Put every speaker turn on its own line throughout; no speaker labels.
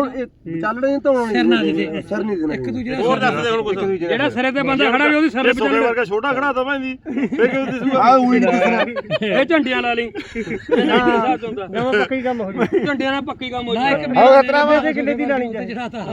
ਚੱਲ ਰਹੇ ਧੋਣ
ਸਿਰ ਨਾ ਦੇ
ਸਿਰ ਨਹੀਂ ਦੇਣਾ
ਇੱਕ ਦੂਜੇ
ਹੋਰ ਦੱਸ ਦੇ ਹੁਣ ਕੁਝ
ਜਿਹੜਾ ਸਿਰੇ ਤੇ ਬੰਦਾ ਖੜਾ ਵੀ ਉਹਦੀ ਸਿਰ ਤੇ
ਸੋਨੇ ਵਰਗਾ ਛੋਟਾ ਖੜਾ ਤਾਂ ਭਾਂਦੀ ਫੇਰ ਕਿਉਂ ਦਿਸੂਗਾ
ਆ ਉਹੀ ਨਹੀਂ ਦਿਸਣਾ
ਇਹ ਝੰਡੀਆਂ ਲਾ ਲਈ
ਨਵਾਂ ਪੱਕੀ ਕੰਮ ਹੋ ਗਈ
ਝੰਡੀਆਂ ਨਾਲ ਪੱਕੀ ਕੰਮ ਹੋ
ਆਹ ਖਤਰਾ ਵਾ ਕਿੰਨੇ ਦੀ ਲੈਣੀ
ਜਿਹੜਾ ਤਾਂ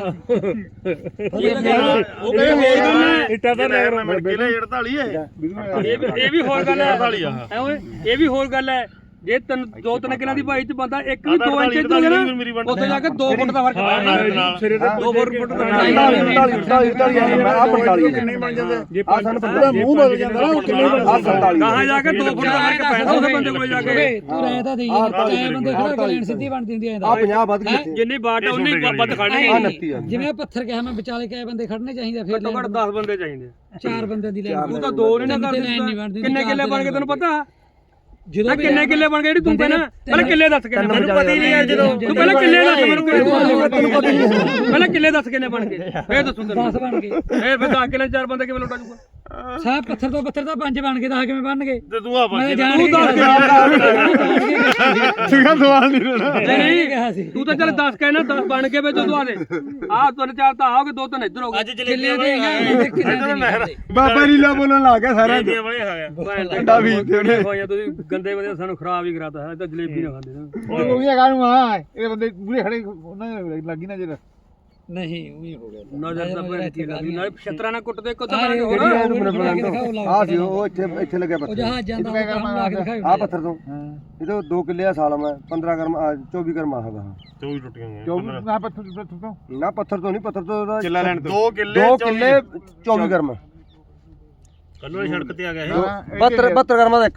ਉਹ ਕਹਿੰਦੇ ਹੋਰ ਗੱਲ ਹੈ
ਇੱਟਾਂ ਦਾ
ਲੈ ਮੈਂ ਮਿਲ ਕੇ ਲੈ 48 ਹੈ
ਇਹ ਵੀ ਹੋਰ ਗੱਲ ਹੈ
48 ਆ
ਐ ਓਏ ਇਹ ਵੀ ਹੋਰ ਗੱਲ ਹੈ ਜੇ ਦੋ ਤਿੰਨ ਕਿਲਾਂ ਦੀ ਭਾਈ ਚ ਬੰਦਾ ਇੱਕ ਵੀ 2 ਇੰਚ ਤੋਂ ਨਾ ਉੱਥੇ ਜਾ ਕੇ 2 ਫੁੱਟ ਦਾ ਫਰਕ ਪੈਣਾ
ਸਿਰੇ ਤੇ
2 ਫੁੱਟ ਦਾ
48 ਆ 45
ਨਹੀਂ ਬਣ ਜਾਂਦੇ
ਆ ਸਾਨੂੰ ਪਤਾ ਮੂੰਹ ਬਦਲ ਜਾਂਦਾ ਨਾ ਕਿੰਨੇ ਆ 47
ਕਹਾਂ ਜਾ ਕੇ 2 ਫੁੱਟ ਦਾ ਫਰਕ ਪੈਣਾ ਉਸ ਬੰਦੇ ਕੋਲੇ ਜਾ ਕੇ
ਤੂੰ ਰਹਿ ਤਾਂ ਦੇਈ ਜਾਂਦਾ ਐ ਬੰਦੇ ਖੜਾ ਕੇ ਲੈਣ ਸਿੱਧੀ ਬਣਦੀ ਹੁੰਦੀ ਐ
ਆ 50 ਵੱਧ ਗਈ
ਜਿੰਨੀ ਬਾਟ ਉਨੀ ਵੱਧ ਖੜਨੀ
ਆ 29 ਆ
ਜਿਵੇਂ ਪੱਥਰ ਕਿਹਾ ਮੈਂ ਵਿਚਾਲੇ ਕਿਹਾ ਬੰਦੇ ਖੜਨੇ ਚਾਹੀਦੇ ਫਿਰ
ਘੱਟੋ ਘੱਟ 10 ਬੰਦੇ ਚਾਹੀਦੇ
4 ਬੰਦੇ ਦੀ ਲੈਣ
ਤੂੰ ਤਾਂ 2 ਨਹੀਂ ਨਾ ਕਰ ਕਿੰਨੇ ਕਿੱਲੇ ਬਣ ਗਏ ਤੈਨੂੰ ਪਤਾ
ਜਦੋਂ
ਕਿੰਨੇ ਕਿੱਲੇ ਬਣ ਗਏ ਜਿਹੜੀ ਤੂੰ ਪਹਿਲਾਂ ਕਿੱਲੇ ਦੱਸ ਕਿੰਨੇ
ਮੈਨੂੰ ਪਤਾ ਹੀ ਨਹੀਂ ਯਾਰ ਜਦੋਂ
ਤੂੰ ਪਹਿਲਾਂ ਕਿੱਲੇ ਦੱਸ ਮੈਨੂੰ ਪਹਿਲਾਂ ਕਿੱਲੇ ਦੱਸ ਕਿੰਨੇ ਬਣ ਗਏ ਫੇਰ ਦੱਸੂ ਤੈਨੂੰ
10 ਬਣ ਗਏ
ਫੇਰ 10 ਕਿੱਲੇ 4 ਬੰਦੇ ਕਿਵੇਂ ਲੁੱਟਾ ਜੂਗਾ
ਸਾਹ ਪੱਥਰ ਤੋਂ ਪੱਥਰ ਤਾਂ 5 ਬਣ ਗਏ 10 ਕਿਵੇਂ ਬਣਨਗੇ
ਤੇ ਤੂੰ ਆ
ਮੈਂ
ਬਣ
ਜਾਣ
ਤੂੰ
ਕੇ
ਦੱਸ
ਸੀਗਾ ਸਵਾਲ ਨਹੀਂ ਰਹਿਣਾ
ਨਹੀਂ
ਕਿਹਾ ਸੀ
ਤੂੰ ਤਾਂ ਚੱਲ 10 ਕਹਿਣਾ 10 ਬਣ ਕੇ ਵਿੱਚ ਤੂੰ ਆ ਦੇ ਆਹ ਤਿੰਨ ਚਾਰ ਤਾਂ ਆਓਗੇ 2 ਤਿੰਨ ਇੱਧਰ ਹੋ ਗਏ
ਕਿੱਲੇ ਦੇ
ਬਾਬਾ ਰੀਲਾ ਬੋਲਣ ਲੱਗ ਗਿਆ ਸਾਰਾ
ਜਲੇਬੀਆਂ ਵਾਲੇ ਖਾ ਗਿਆ
ਠੰਡਾ ਵੀ ਤੇ
ਹੋਇਆ ਤੁਸੀਂ ਗੰਦੇ ਬੰਦੇ ਸਾਨੂੰ ਖਰਾਬ ਹੀ ਕਰਾਤਾ ਹੈ ਤਾਂ ਜਲੇਬੀ ਨਾ ਖਾਂਦੇ ਨਾ
ਉਹ ਵੀ ਹੈਗਾ ਨੂੰ ਆ ਇਹ ਬੰਦੇ ਪੂਰੇ ਖੜੇ ਉਹਨਾਂ ਨੇ ਲੱਗੀ ਨਾ ਜਿਹੜਾ
ਨਹੀਂ ਉਹੀ ਹੋ ਗਿਆ
ਨਜ਼ਰ ਤਾਂ ਭੈਣ ਕੀ ਲੱਗਦੀ ਨਾਲ ਛਤਰਾ ਨਾਲ ਕੁੱਟਦੇ ਕੋ ਤਾਂ
ਆਹ
ਹੋਰ
ਆ ਸੀ ਉਹ ਇੱਥੇ ਲੱਗਿਆ
ਉਹ
ਪੱਥਰ
ਜਹਾਜ਼ ਜਾਂਦਾ ਉਹ ਕੰਮ ਲਾ ਕੇ ਦਿਖਾਓ
ਆ ਪੱਥਰ ਤੋਂ ਇਹ ਤਾਂ 2 ਕਿੱਲੇ ਆ ਸਾਲ ਮੈਂ 15 ਗਰਮ 24 ਗਰਮ ਆਹਗਾ
ਤੂੰ ਵੀ ਟੁੱਟ ਗਿਆ
ਨਾ ਪੱਥਰ ਤੋਂ
ਨਾ ਪੱਥਰ ਤੋਂ ਨਹੀਂ ਪੱਥਰ ਤੋਂ
ਕਿੱਲਾ ਲੈਣ
2 ਕਿੱਲੇ
2 ਕਿੱਲੇ 24 ਗਰਮ
ਕੱਲੋਂ ਸੜਕ ਤੇ ਆ ਗਿਆ ਇਹ
72 ਗਰਮਾਂ ਦਾ ਇੱਕ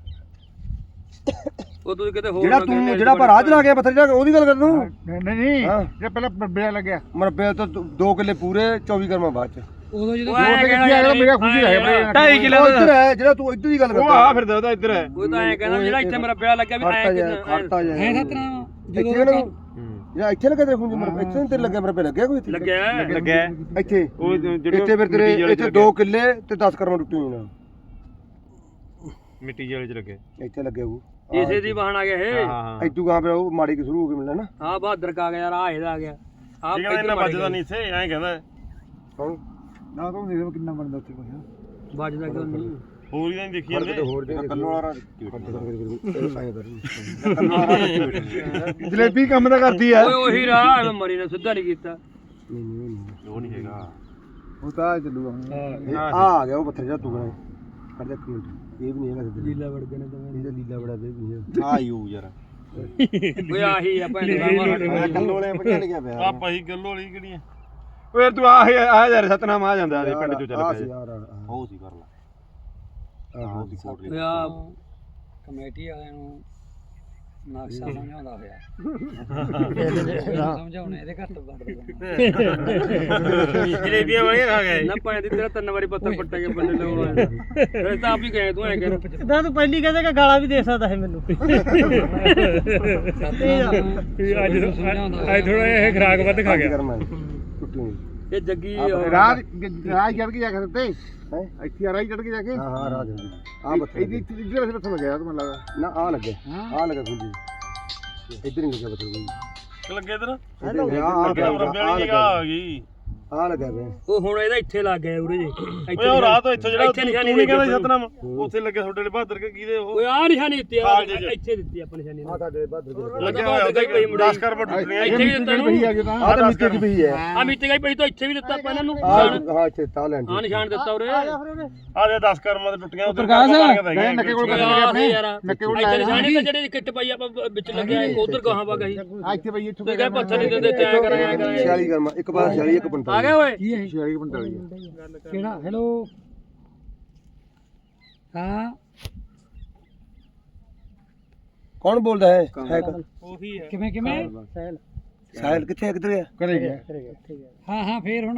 ਉਹ ਤੁਸੀਂ ਕਿਤੇ ਹੋਰ
ਜਿਹੜਾ ਤੂੰ ਜਿਹੜਾ ਪਰ ਰਾਜ ਲਾ ਗਿਆ ਪੱਥਰ ਜਾ ਉਹਦੀ ਗੱਲ ਕਰ ਤੂੰ
ਨਹੀਂ ਜੇ ਪਹਿਲਾਂ ਬੇੜਾ ਲੱਗਿਆ
ਮਰਬੇ ਤੋਂ 2 ਕਿੱਲੇ ਪੂਰੇ 24 ਗਰਮਾਂ ਬਾਅਦ ਚ
ਉਦੋਂ ਜਦੋਂ
ਮੇਰਾ ਖੁਸ਼ੀ ਹੈ
2.5 ਕਿਲੋ
ਉਹ ਇੱਧਰ ਹੈ ਜਿਹੜਾ ਤੂੰ ਇੱਧਰ ਦੀ ਗੱਲ
ਉਹ
ਕਰਦਾ
ਆ ਫਿਰਦਾ ਉਹਦਾ ਇੱਧਰ ਹੈ
ਉਹ ਤਾਂ ਐ ਕਹਿੰਦਾ ਜਿਹੜਾ ਇੱਥੇ ਮੇਰਾ ਵਿਆਹ ਲੱਗਿਆ ਵੀ ਐ
ਖੜਤਾ ਜਾ
ਹੈ ਸਤਨਾਮ
ਇੱਥੇ ਨਾ ਜਿਹੜਾ ਇੱਥੇ ਲੱਗਾ ਤੇਰੇ ਖੁੰਝ ਮਰਬੇ ਇੱਥੇ ਤੇਰੇ ਲੱਗਿਆ ਮਰਬੇ ਲੱਗਿਆ ਕੋਈ ਇੱਥੇ
ਲੱਗਿਆ
ਇੱਥੇ
ਉਹ
ਇੱਥੇ ਫਿਰ ਤੇਰੇ ਇੱਥੇ 2 ਕਿੱਲੇ ਤੇ 10 ਕਰਮਾਂ ਟੁੱਟੀ ਹੋਈ ਨਾ
ਮਿੱਟੀ ਜਿਹੇ ਚ ਲੱਗੇ
ਇੱਥੇ ਲੱਗਿਆ ਉਹ
ਇਸੇ ਦੀ ਬਹਾਨ ਆ ਗਿਆ ਇਹ
ਹਾਂ
ਇੱਥੋਂ ਗਾਂ ਫਿਰ ਉਹ ਮਾੜੀ ਕਿ ਸ਼ੁਰੂ ਹੋ ਕੇ ਮਿਲਣਾ ਨਾ
ਆ ਬਹਾਦਰ ਕਾ ਗਿਆ ਯਾਰ ਆ ਇਹਦਾ ਆ ਗਿਆ ਆ
ਕਹਿੰਦਾ ਇਹਨਾਂ ਵੱਜਦਾ ਨਹੀਂ ਇੱਥੇ ਐਂ ਕਹਿੰਦਾ
ਕੌਣ
ਨਾ ਤੂੰ ਦੇਖ ਕਿੰਨਾ ਬਣਦਾ ਉੱਥੇ ਕੁਛ
ਵੱਜਦਾ ਕਿਉਂ ਨਹੀਂ
ਹੋਰ ਹੀ ਤਾਂ ਨਹੀਂ ਦੇਖੀ ਜਾਂਦੇ
ਹੋਰ ਦੇ ਕੱਲੋਂ ਵਾਲਾ
ਜਲੇਬੀ ਕੰਮ ਤਾਂ ਕਰਦੀ ਆ
ਓਏ ਉਹੀ ਰਾਹ ਮਰੀ ਨੇ ਸਿੱਧਾ ਨਹੀਂ ਕੀਤਾ
ਉਹ ਨਹੀਂ ਹੈਗਾ
ਉਹ ਤਾਂ ਚੱਲੂਗਾ
ਆ ਗਿਆ ਉਹ ਪੱਥਰ ਜਿਹੜਾ ਤੂੰ ਕਰ ਦੇ ਇੱਕ ਮਿੰਟ ਇਹ ਵੀ ਨਹੀਂ ਹੈਗਾ ਸਿੱਧਾ
ਲੀਲਾ ਵੜ ਗਏ ਨੇ ਤਾਂ
ਇਹਦਾ ਲੀਲਾ ਬੜਾ ਬੇ ਵੀ
ਆ ਯੂ ਯਾਰ
ਓਏ ਆਹੀ ਆ ਭੈਣ ਦਾ
ਕੱਲੋਂ ਵਾਲੇ ਪੱਕਿਆ ਨਹੀਂ ਗਿਆ ਪਿਆ
ਆ ਪਹੀ ਗੱਲੋਂ ਵਾਲੀ ਕਿਹੜੀ ਆ
ਓਏ ਤੂੰ ਆ ਯਾਰ ਸਤਨਾਮ ਆ ਜਾਂਦਾ ਦੇ ਪਿੰਡ ਚੋਂ ਚੱਲ
ਆ
ਪਿਆ
ਸੀ ਯਾਰ
ਉਹ ਸੀ ਕਰ ਲਾ ਆਹ ਦੀ ਕੋਟ
ਓਏ ਆ
ਕਮੇਟੀ ਵਾਲਿਆਂ ਨੂੰ ਨਕਸ਼ਾ ਸਮਝਾਉਂਦਾ ਹੋਇਆ ਸਮਝਾਉਣੇ ਇਹਦੇ ਘੱਟ ਵੱਧ
ਜਲੇਬੀਆਂ ਵਾਲੀਆਂ ਖਾ ਗਏ
ਨਾ ਭੈਣ ਦੀ ਤੇਰਾ 3 ਵਾਰੀ ਪੱਥਰ ਪੱਟੇ ਕੇ ਬੰਦੇ ਲਾਉਣਾ ਫਿਰ ਤਾਂ ਆਪ ਹੀ ਗਏ ਤੂੰ ਐ ਕਹਿ
ਤਾਂ ਤੂੰ ਪਹਿਲੀ ਕਹਿੰਦਾ ਕਿ ਗਾਲਾਂ ਵੀ ਦੇ ਸਕਦਾ ਹੈ ਮੈਨੂੰ
ਅੱਜ
ਥੋੜਾ ਇਹ ਖਰਾਕ ਵੱਧ ਖਾ ਗਿਆ
ਕਰਮਾਂ ਟੁੱਟੀ ਹੋਈ
ਇਹ ਜੱਗੀ
ਰਾਜ ਚੜ ਕੇ ਜਾ ਕੇ ਉੱਤੇ ਇੱਥੇ ਰਾਜ ਚੜ ਕੇ ਜਾ ਕੇ
ਹਾਂ ਰਾਜ ਆ ਪੱਥਰ
ਇੱਧਰ ਇੱਧਰ ਪਾਸੇ ਲੱਗਿਆ ਤੂੰ ਮੈਨੂੰ ਲੱਗਦਾ
ਨਾ ਆ ਲੱਗੇ ਆ ਲੱਗਾ ਖੁੰਜੀ ਇੱਧਰ ਨਹੀਂ ਲੱਗਿਆ ਪੱਥਰ ਕੋਈ
ਲੱਗੇ ਇਧਰ
ਆ
ਰੱਬੇ ਵਾਲੀ ਜਗ੍ਹਾ ਆ ਗਈ
ਆ ਲੱਗਾ ਵੇ
ਉਹ ਹੁਣ ਇਹਦਾ ਇੱਥੇ ਲੱਗ ਗਿਆ ਉਰੇ ਜੇ
ਓਏ ਉਹ ਰਾਤ ਇੱਥੋਂ ਜਿਹੜਾ
ਇੱਥੇ
ਤੂੰ
ਨਿਸ਼ਾਨੀ
ਨਹੀਂ ਕਹਿੰਦਾ ਸਤਨਾਮ ਉੱਥੇ ਲੱਗੇ ਤੁਹਾਡੇ ਵਾਲੇ ਬਹਾਦਰ ਕੇ ਕਿਹਦੇ ਉਹ
ਓਏ ਆ ਨਿਸ਼ਾਨੀ ਦਿੱਤੀ ਆ ਇੱਥੇ ਦਿੱਤੀ ਆਪਾਂ ਨਿਸ਼ਾਨੀ
ਆ ਤੁਹਾਡੇ ਬਾਦਰ
ਲੱਗੇ ਹੋਇਆ ਉੱਥੇ 10 ਕਰਮ ਟੁੱਟਣੀਆਂ
ਇੱਥੇ ਵੀ ਦਿੱਤਾ
ਪਈ ਆ ਗਿਆ ਤਾਂ
ਆ ਤਾਂ ਮਿੱਟੀ ਦੀ ਪਈ ਹੈ
ਆ ਮਿੱਟੀ ਗਈ ਪਈ ਤਾਂ ਇੱਥੇ ਵੀ ਦਿੱਤਾ ਆਪਾਂ ਇਹਨਾਂ ਨੂੰ
ਹਾਂ ਇੱਥੇ ਤਾਂ ਲੈਣ
ਆ ਨਿਸ਼ਾਨ ਦਿੱਤਾ ਉਰੇ
ਆ ਜੇ 10 ਕਰਮਾਂ ਤੇ ਟੁੱਟੀਆਂ ਉੱਧਰ
ਨੱਕੇ ਕੋਲ
ਆਪਣੇ ਯਾਰ
ਨੱਕੇ ਕੋਲ
ਇੱਥੇ ਨਿਸ਼ਾਨੀ ਤਾਂ ਜਿਹੜੇ ਕਿੱਟ ਪਾਈ ਆਪਾਂ ਵਿੱਚ ਲੱਗਿਆ ਉਧਰ ਗਾਹਾਂ ਵਾ ਗਈ
ਆ ਇੱਥੇ ਬਈ ਇੱਥੋਂ
ਕਹੇ ਪੱਥਰ ਨਹੀਂ ਦਿੰਦੇ ਤੇ ਐ ਕਰਾਂਗੇ
46 ਕਰਮਾ ਇੱਕ ਪਾਸ 46 ਇੱਕ 45
ਆ ਗਏ ਓਏ
ਕੀ ਹੈ
46 45
ਕਿਹੜਾ ਹੈਲੋ ਹਾਂ
ਕੌਣ ਬੋਲਦਾ ਹੈ
ਉਹੀ ਹੈ
ਕਿਵੇਂ ਕਿਵੇਂ ਸਹਿਲ
ਸਾਹਿਲ ਕਿੱਥੇ ਕਿੱਧਰ ਗਿਆ
ਕਰੇ ਗਿਆ
ਹਾਂ ਹਾਂ ਫੇਰ ਹੁਣ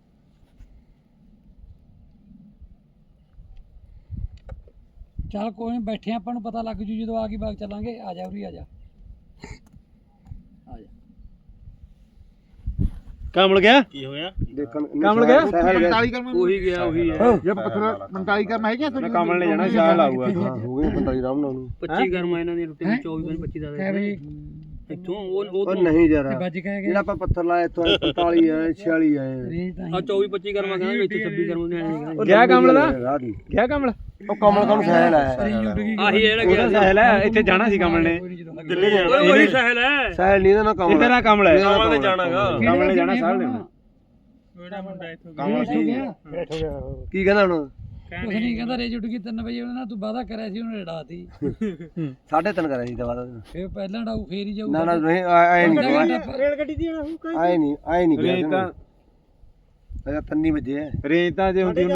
ਚੱਲ ਕੋਈ ਨੀ ਬੈਠੇ ਆਪਾਂ ਨੂੰ ਪਤਾ ਲੱਗ ਜੂ ਜਦੋਂ ਆ ਗਈ ਬਾਗ ਚੱਲਾਂਗੇ ਆ ਜਾ ਉਰੀ ਆ ਜਾ
ਕਮਲ ਗਿਆ
ਕੀ ਹੋਇਆ
ਦੇਖਣ
ਕਮਲ ਗਿਆ
ਸਾਹਿਲ ਗਿਆ
45 ਕਰਮ
ਉਹੀ ਗਿਆ ਉਹੀ ਹੈ
ਜੇ ਪੱਥਰ 45 ਕਰਮ ਹੈਗੇ ਤਾਂ
ਕਮਲ ਨੇ ਜਾਣਾ ਸ਼ਾਲ ਆਊਗਾ
ਹਾਂ ਹੋ ਗਏ 45 ਰਾਮ ਨਾਲ
25 ਗਰਮਾ ਇਹਨਾਂ ਦੀ ਰੋਟੀ 24 25 ਦਾ
ਹੈ ਬਈ
ਇੱਥੋਂ ਉਹ
ਉਹ ਨਹੀਂ ਯਾਰ
ਤੇ ਵੱਜ ਕਹਿ
ਜਿਹੜਾ ਆਪਾਂ ਪੱਥਰ ਲਾਇਆ ਇੱਥੋਂ 45 ਆਏ 46 ਆਏ
ਰੇਂਜ ਤਾਂ
ਆ 24 25 ਕਰਮਾ ਕਹਿੰਦਾ ਇੱਥੇ 26 ਕਰਮਾ ਨੇ ਆਏ
ਗਿਆ ਕਮਲ ਦਾ
ਗਿਆ ਕਮਲ
ਉਹ ਕਮਲ ਕਮ ਸਹਿਲ ਆਇਆ
ਰੇਂਜ ਉੱਡ ਗਈ
ਆਹੀ ਜਿਹੜਾ ਗਿਆ
ਉਹਦਾ ਸਹਿਲ ਹੈ ਇੱਥੇ ਜਾਣਾ ਸੀ ਕਮਲ ਨੇ
ਦਿੱਲੀ ਜਾਣਾ ਉਹੀ ਸਹਿਲ ਹੈ
ਸਹਿਲ ਨਹੀਂ ਨਾ ਕਮਲ
ਇਹਦਾ ਕਮਲ ਹੈ
ਕਮਲ ਨੇ ਜਾਣਾਗਾ
ਕਮਲ ਨੇ ਜਾਣਾ ਸਾਲ ਨੇ
ਕਮਲ ਹੋ ਗਿਆ
ਕੀ ਕਹਿੰਦਾ ਹੁਣ
ਕੁਛ ਨਹੀਂ ਕਹਿੰਦਾ ਰੇਂਜ ਉੱਡ ਗਈ 3 ਵਜੇ ਉਹਨੇ ਨਾ ਤੂੰ ਵਾਦਾ ਕਰਿਆ ਸੀ ਉਹਨੇ ਰੜਾਤੀ
3:30 ਕਰਿਆ ਸੀ ਦਵਾ
ਫੇਰ ਪਹਿਲਾਂ ਡਾਊ ਫੇਰ ਹੀ ਜਾਊ
ਨਾ ਨਾ ਨਹੀਂ ਆਏ ਨਹੀਂ
ਰੇਲ ਗੱਡੀ ਦੀ
ਆਏ ਨਹੀਂ
ਰੇਂਜ ਤਾਂ
ਅਜਾ 3 ਵਜੇ
ਰੇਂਜ ਤਾਂ ਜੇ ਹੁੰਦੀ